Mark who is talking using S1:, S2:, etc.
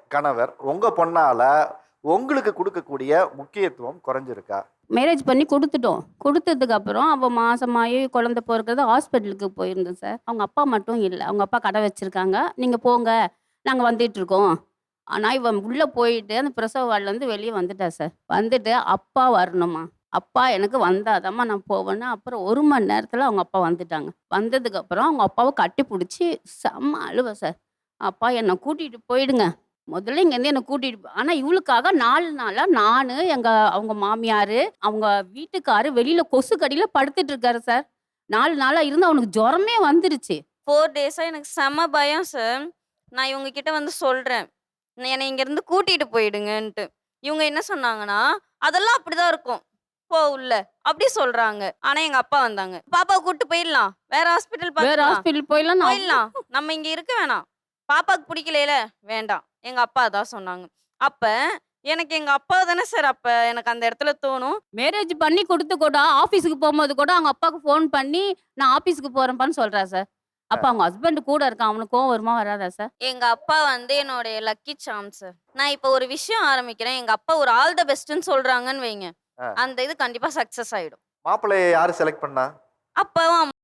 S1: கணவர் உங்க பொண்ணால உங்களுக்கு கொடுக்கக்கூடிய முக்கியத்துவம் குறைஞ்சிருக்கா?
S2: மேரேஜ் பண்ணி குடுத்துட்டோம். குடுத்ததுக்கு அப்புறம் அவ மாசமாயி குழந்தை பொறக்கிறது ஹாஸ்பிட்டலுக்கு போயிருந்தோம் சார். அவங்க அப்பா மட்டும் இல்ல. அவங்க அப்பா கடை வச்சிருக்காங்க. "நீங்க போங்க. நாங்க வந்துட்டுருக்கோம்." ஆனா, இவ உள்ள போயிட்டு அந்த பிரசவ வார்டுலருந்து வெளிய வந்துட்டா சார். வந்துட்டு, "அப்பா வரணுமா. அப்பா எனக்கு வந்தா தாம்மா நான் போவேன்னு." அப்புறம் 1 மணி நேரத்துல அவங்க அப்பா வந்துட்டாங்க. வந்ததுக்கப்புறம் அவங்க அப்பாவ கட்டிப்புடிச்சு செம்ம அழுவ சார். "அப்பா என்ன கூட்டிட்டு போயிடுங்க. முதல்ல இங்கேருந்து என்ன கூட்டிட்டு ஆனா இவளுக்காக 4 நாளா நானு, அவங்க மாமியாரு, அவங்க வீட்டுக்காரு வெளியில கொசு கடியில படுத்துட்டு இருக்காரு சார். 4 நாளா இருந்து அவனுக்கு ஜுரமே வந்துருச்சு.
S3: 4 டேஸா எனக்கு செம்ம பயம் சார். நான் இவங்க கிட்ட வந்து சொல்றேன். என்னை இங்கேருந்து கூட்டிட்டு போயிடுங்கன்ட்டு. இவங்க என்ன சொன்னாங்கன்னா, "அதெல்லாம் அப்படிதான் இருக்கும். போ உள்ள." அப்படி சொல்றாங்க. ஆனா எங்க அப்பா வந்தாங்க. "பாப்பாவ கூட்டு போயிடலாம். வேற ஹாஸ்பிட்டல்
S2: வேற
S3: பார்த்துக்கலாம்.
S2: ஹாஸ்பிட்டல் போயிலாம் நான்
S3: போயிடலாம். நம்ம இங்க இருக்க வேணாம். பாப்பாக்கு பிடிக்கலைல, வேண்டாம்." எங்க அப்பா அதான் சொன்னாங்க. அப்ப எனக்கு எங்க அப்பா தானே சார் அப்ப எனக்கு அந்த இடத்துல தோணும்.
S2: மேரேஜ் பண்ணி குடுத்து கூட ஆஃபீஸுக்கு போம்போது கூட அவங்க அப்பாவுக்கு ஃபோன் பண்ணி, "நான் ஆஃபீஸுக்கு போறேன்ப்பான்னு" சொல்றா சார். அப்ப அவங்க ஹஸ்பண்ட் கூட இருக்கான். அவனுக்கு கோவம் வருமா? வராதா சார்?
S3: எங்க அப்பா வந்து என்னோடைய லக்கி சார்ம் சார். நான் இப்ப ஒரு விஷயம் ஆரம்பிக்கிறேன். எங்க அப்பா ஒரு ஆல் த பெஸ்ட்ன்னு சொல்றாங்கன்னு வைங்க.
S1: ஆ.
S3: அந்த இது கண்டிப்பா சக்சஸ் ஆயிடும்.
S1: மாப்பிள்ளைய யாரு செலக்ட் பண்ணா?
S3: அப்பாவும்